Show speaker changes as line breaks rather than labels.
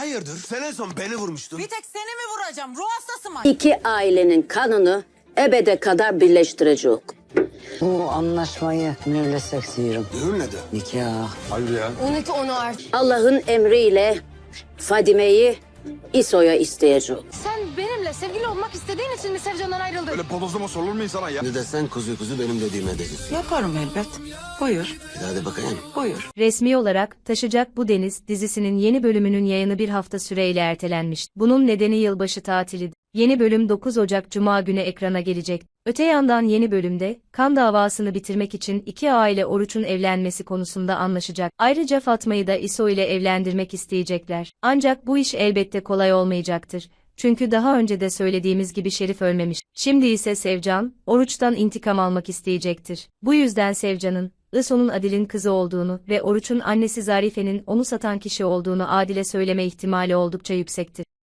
hayırdır? Sen en son beni vurmuştun.
Bir tek seni mi vuracağım? Ruh hastası mı?
İki ailenin kanını ebede kadar birleştirecek.
Bu anlaşmayı mühürlesek diyorum.
Düğün ne de?
Nikah.
Hayır ya.
Unut onu artık.
Allah'ın emriyle Fadime'yi İso'ya isteyecek.
Sen benimle sevgili olmak istediğin için mi Sevcan'dan ayrıldın?
Öyle bodozlama sorulur mu insana ya?
Ne de sen kuzu kuzu benim dediğimi edeceksin.
Yaparım elbet. Buyur,
Hadi bakayım.
buyur.
Resmi olarak Taşacak Bu Deniz dizisinin yeni bölümünün yayını bir hafta süreyle ertelenmiş. Bunun nedeni yılbaşı tatili. Yeni bölüm 9 Ocak Cuma günü ekrana gelecek. Öte yandan yeni bölümde kan davasını bitirmek için iki aile Oruç'un evlenmesi konusunda anlaşacak. Ayrıca Fatma'yı da İso ile evlendirmek isteyecekler. Ancak bu iş elbette kolay olmayacaktır. Çünkü daha önce de söylediğimiz gibi Şerif ölmemiş. Şimdi ise Sevcan, Oruç'tan intikam almak isteyecektir. Bu yüzden Sevcan'ın, İso'nun Adil'in kızı olduğunu ve Oruç'un annesi Zarife'nin onu satan kişi olduğunu Adil'e söyleme ihtimali oldukça yüksektir.